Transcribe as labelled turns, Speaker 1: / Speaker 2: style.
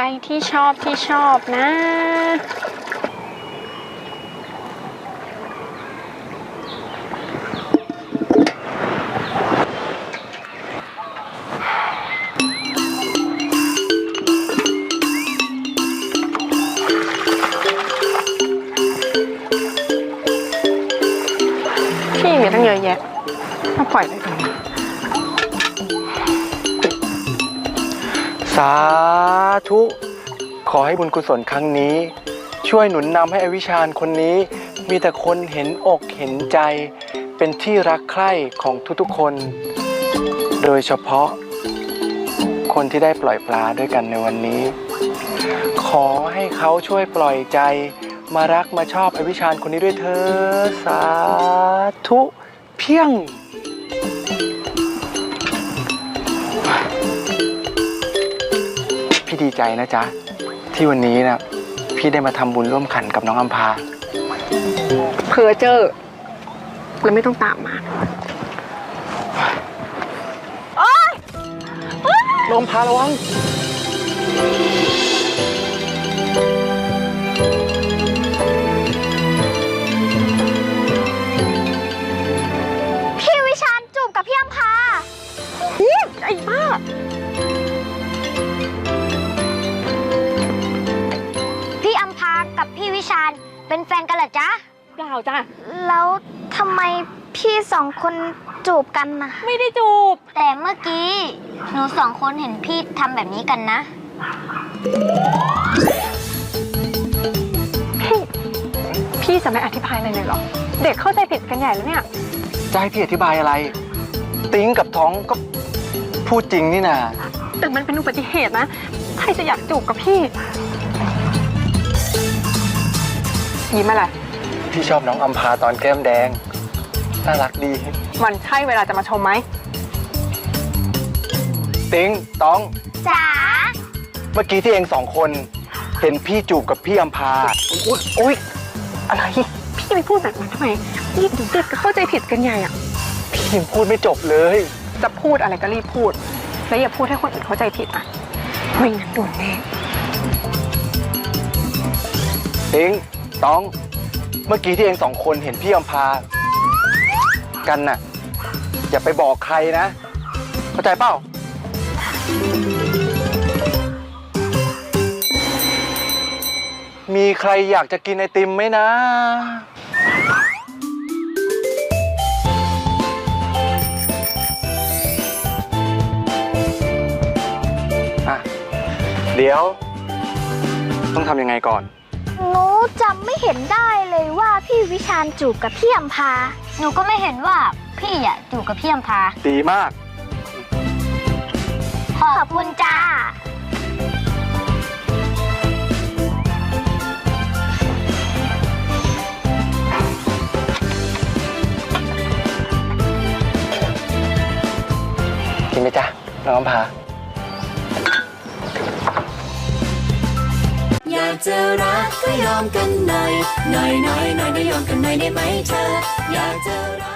Speaker 1: ที่ชอบนะพี่มีตั้งเยอะแยะมาปล่อยไปตรงนี้
Speaker 2: สาธุขอให้บุญกุศลครั้งนี้ช่วยหนุนนำให้อวิชาญคนนี้มีแต่คนเห็นอกเห็นใจเป็นที่รักใคร่ของทุกๆคนโดยเฉพาะคนที่ได้ปล่อยปลาด้วยกันในวันนี้ขอให้เขาช่วยปล่อยใจมารักมาชอบอวิชาญคนนี้ด้วยเถิดสาธุเพียงพี่ดีใจนะจ๊ะที่วันนี้นะพี่ได้มาทำบุญร่วมขันกับน้องอัมพา
Speaker 1: เพอเจอแล้วไม่ต้องตามมา
Speaker 2: น้องอัมพาระวัง
Speaker 3: พี่วิชาญจูบกับพี่อัมพา
Speaker 1: ไอ้บ้า
Speaker 3: พี่อัมพากับพี่วิชาญเป็นแฟนกันเหรอจ๊ะ
Speaker 1: เปล่าจ้ะ
Speaker 3: แล้วทำไมพี่สองคนจูบกันนะ
Speaker 1: ไม่ได้จูบ
Speaker 3: แต่เมื่อกี้หนูสองคนเห็นพี่ทำแบบนี้กันนะ
Speaker 1: พี่จะไม่อธิบายอะไรเลยหรอเด็กเข้าใจผิดกันใหญ่แล้วเนี่ย
Speaker 2: จะให้พี่อธิบายอะไรติ้งกับท้องก็พูดจริงนี่นะ
Speaker 1: แต่มันเป็นอุบัติเหตุนะใครจะอยากจูบกับพี่ยิ้มอะไร
Speaker 2: พี่ชอบน้องอัมพาตอนแก้มแดงน่ารักดี
Speaker 1: มันใช่เวลาจะมาชมไหม
Speaker 2: ติ้งต้อง
Speaker 3: จ๋า
Speaker 2: เมื่อกี้ที่เองสองคนเห็นพี่จูบกับพี่อัมพาอุ๊ยอะไร
Speaker 1: พี่ไปพูดแบบนั้นทำไมนี่เด็กก็เข้าใจผิดกันใหญ่อ่ะ
Speaker 2: พี่ยังพูดไม่จบเลย
Speaker 1: จะพูดอะไรก็รีบพูดแล้วอย่าพูดให้คนอื่นเข้าใจผิดอ่ะไม่งั้นโดนแน่
Speaker 2: ติ้งต้องเมื่อกี้ที่เองสองคนเห็นพี่อัมพากันน่ะอย่าไปบอกใครนะเข้าใจเปล่ามีใครอยากจะกินไอติมไหมนะเดี๋ยวต้องทำยังไงก่อน
Speaker 3: หนูจำไม่เห็นได้เลยว่าพี่วิชาญจูบกับพี่อัมพาหนูก็ไม่เห็นว่าพี่อะจูบกับพี่อัมพา
Speaker 2: ดีมาก
Speaker 3: ขอบคุณจ้า
Speaker 2: กินไหมจ๊ะน้องอัมพา
Speaker 4: อยากจะรักก็ยอมกันหน่อยได้ยอมกันหน่อยได้ไหมเธออยากจะรัก